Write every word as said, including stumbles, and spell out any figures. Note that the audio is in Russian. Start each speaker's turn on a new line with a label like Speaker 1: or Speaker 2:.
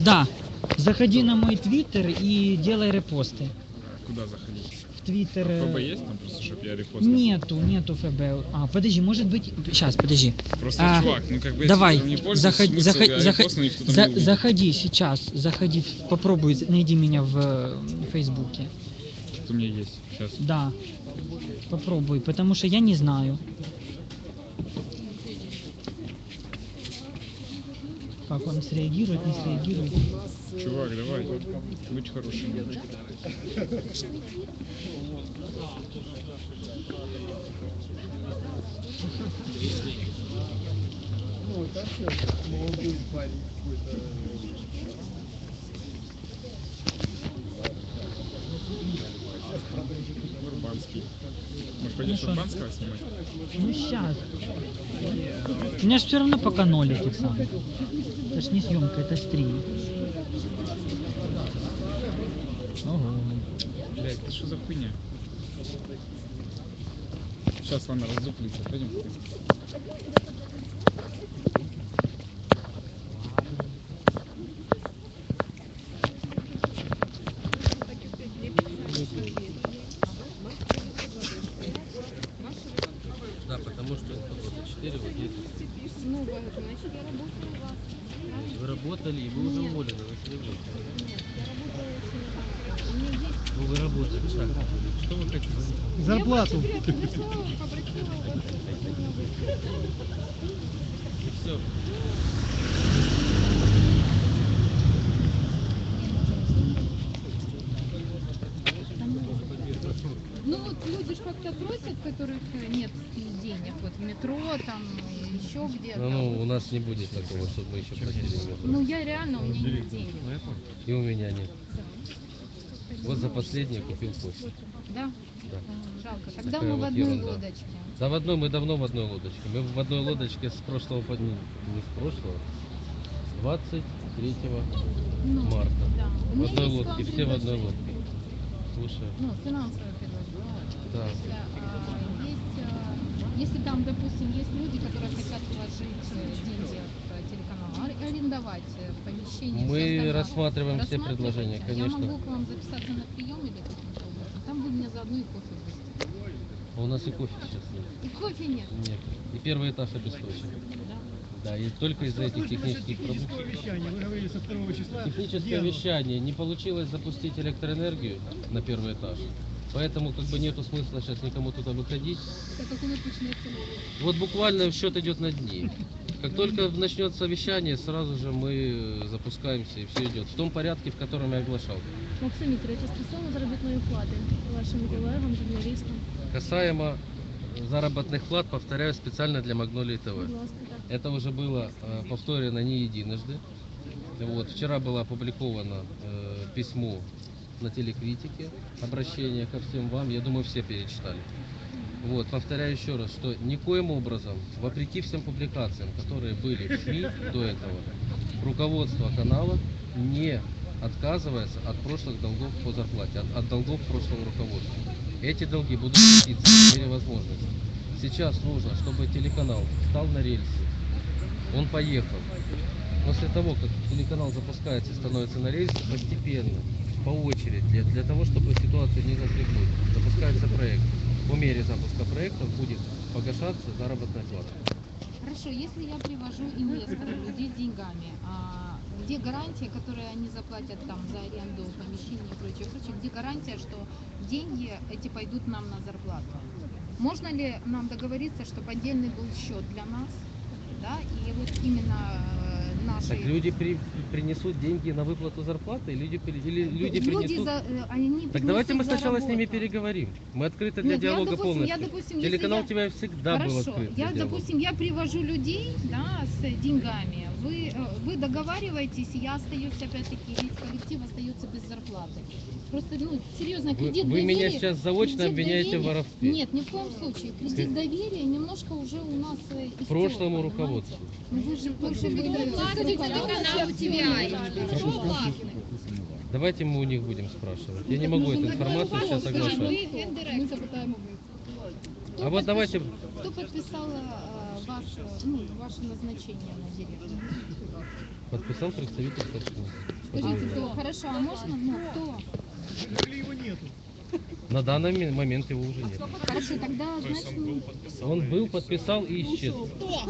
Speaker 1: Да, заходи на мой твиттер и делай репосты.
Speaker 2: Куда заходить?
Speaker 1: В твиттер...
Speaker 2: А ФБ
Speaker 1: э,
Speaker 2: есть там просто, чтобы я репостил?
Speaker 1: Нету, нету ФБ. А, подожди, может быть... Сейчас, подожди.
Speaker 2: Просто,
Speaker 1: А,
Speaker 2: чувак, ну как бы
Speaker 1: давай,
Speaker 2: если я не пользуюсь,
Speaker 1: заходи,
Speaker 2: смысл
Speaker 1: заходи,
Speaker 2: я
Speaker 1: заходи,
Speaker 2: репостну, никто там
Speaker 1: за-
Speaker 2: не увидит.
Speaker 1: заходи сейчас, заходи, попробуй, найди меня в э, Фейсбуке.
Speaker 2: Что у меня есть сейчас?
Speaker 1: Да, попробуй, потому что я не знаю. Как он среагирует, не среагирует.
Speaker 2: Чувак, давай, будь хорошим.
Speaker 3: Ну, так молодой парень какой-то.
Speaker 2: Урбанский. Может, пойдешь
Speaker 1: Ну,
Speaker 2: Урбанского снимать?
Speaker 1: Ну сейчас. У меня же все равно пока ноль этих самых. Это ж не съемка, это стрим. Ого.
Speaker 2: Блять, это что за хуйня? Сейчас, ладно, раздуплится, пойдем.
Speaker 4: Да, потому что вот четыре вот здесь.
Speaker 5: Ну, вот, значит, я работаю у вас.
Speaker 4: Вы работали, и вы уже уволены, вы себе
Speaker 5: Нет, я работаю очень. У меня есть...
Speaker 4: Ну, вы работали, так. Что вы хотите?
Speaker 3: Зарплату.
Speaker 5: Я просто пришла, попросила у вас сегодня выйти.
Speaker 4: И все.
Speaker 5: Ну вот люди ж как-то просят, которых нет денег, вот в метро, там, еще где-то.
Speaker 4: Ну, ну, у нас не будет такого, чтобы мы еще платили.
Speaker 5: Ну я реально, у меня нет денег.
Speaker 4: И у меня нет. Вот за последнее купил кофе.
Speaker 5: Да?
Speaker 4: Да.
Speaker 5: Жалко. Тогда
Speaker 4: Такая
Speaker 5: мы в
Speaker 4: вот
Speaker 5: одной
Speaker 4: ерунда.
Speaker 5: лодочке.
Speaker 4: Да, в одной, мы давно в одной лодочке. Мы в одной лодочке с прошлого, под- не с прошлого, двадцать третьего
Speaker 5: Ну,
Speaker 4: марта.
Speaker 5: да. У
Speaker 4: В
Speaker 5: меня
Speaker 4: одной
Speaker 5: есть к
Speaker 4: лодке,
Speaker 5: вам
Speaker 4: все в одной
Speaker 5: предложение.
Speaker 4: лодке. Слушай,
Speaker 5: Ну, финансовое предложение.
Speaker 4: да.
Speaker 5: Если, а, есть, а, если там, допустим, есть люди, которые хотят вложить э, деньги в телеканал, а- арендовать э, помещение.
Speaker 4: Мы
Speaker 5: всё остальное.
Speaker 4: рассматриваем все
Speaker 5: Рассматриваете?
Speaker 4: предложения,
Speaker 5: Я
Speaker 4: конечно.
Speaker 5: могу к вам записаться на прием или каким-то образом. Там вы мне заодно и кофе будете.
Speaker 4: А у нас и кофе сейчас нет.
Speaker 5: И кофе нет.
Speaker 4: Нет. И первый этаж обесточен.
Speaker 5: Да.
Speaker 4: Да, и только из-за этих технических проблем.
Speaker 3: вещание, вы говорили со второго числа.
Speaker 4: Техническое вещание. Не получилось запустить электроэнергию на первый этаж. Поэтому как бы нету смысла сейчас никому туда выходить.
Speaker 5: Так как у нас начинается
Speaker 4: Вот буквально счет идет на дни. Как только начнется вещание, сразу же мы запускаемся и все идет в том порядке, в котором я оглашал.
Speaker 6: Максим Вікторович, стосовно заробітної плати вашим колегам, журналістам,
Speaker 4: Касаемо заработных плат, повторяю, специально для Магнолии ТВ.
Speaker 6: будь ласка, так.
Speaker 4: Это уже было э, повторено не единожды. Вот, вчера было опубликовано э, письмо на телекритике, обращение ко всем вам, я думаю, все перечитали. Вот, повторяю еще раз, что никоим образом, вопреки всем публикациям, которые были в СМИ до этого, руководство канала не отказывается от прошлых долгов по зарплате, от, от долгов прошлого руководства. Эти долги будут платиться по мере возможности. Сейчас нужно, чтобы телеканал встал на рельсы, он поехал. После того, как телеканал запускается и становится на рельсы, постепенно, по очереди, для, для того, чтобы ситуация не запрягнуть, запускается проект. По мере запуска проекта будет погашаться заработная плата.
Speaker 5: Хорошо, если я привожу инвесторов, людей с деньгами, а где гарантия, которую они заплатят там за аренду помещения и прочее, прочее, где гарантия, что деньги эти пойдут нам на зарплату? Можно ли нам договориться, чтобы отдельный был счет для нас, да, и вот именно э, наши...
Speaker 4: Так люди при, принесут деньги на выплату зарплаты, люди, при- или люди,
Speaker 5: Люди
Speaker 4: принесут...
Speaker 5: за, э, они
Speaker 4: Так давайте мы
Speaker 5: принесут за
Speaker 4: сначала с ними
Speaker 5: работу.
Speaker 4: переговорим. Мы открыты для
Speaker 5: Нет, я,
Speaker 4: диалога
Speaker 5: допустим,
Speaker 4: полностью.
Speaker 5: я, допустим, если
Speaker 4: Телеканал
Speaker 5: я-
Speaker 4: тебя всегда был
Speaker 5: Хорошо,
Speaker 4: открыт для
Speaker 5: я,
Speaker 4: диалога.
Speaker 5: допустим, я привожу людей, да, с деньгами, вы, э, вы договариваетесь, я остаюсь, опять-таки, весь коллектив остается без зарплаты. Просто, ну, серьезно,
Speaker 4: Вы,
Speaker 5: кредит
Speaker 4: вы
Speaker 5: доверия...
Speaker 4: меня сейчас заочно
Speaker 5: кредит
Speaker 4: обвиняете в
Speaker 5: доверия-
Speaker 4: воровстве.
Speaker 5: Нет, ни в коем случае. Кредит доверия немножко уже у нас э, истёк,
Speaker 4: Прошлому
Speaker 5: понимаете?
Speaker 4: руководству.
Speaker 5: Ну, вы же больше
Speaker 4: Давайте мы у них будем спрашивать. Я не могу эту информацию сейчас оглашать.
Speaker 5: Мы запитаємо ви.
Speaker 4: А вот давайте...
Speaker 5: Кто подписал э, вас, ну, ваше назначение на директора?
Speaker 4: Подписал представитель собственника.
Speaker 5: Скажите, кто? Хорошо, а можно, ну, кто?
Speaker 3: Или его нету?
Speaker 4: На данный ми- момент его уже нет.
Speaker 5: Хорошо, тогда, значит, ну,
Speaker 4: Он был, подписал и исчез.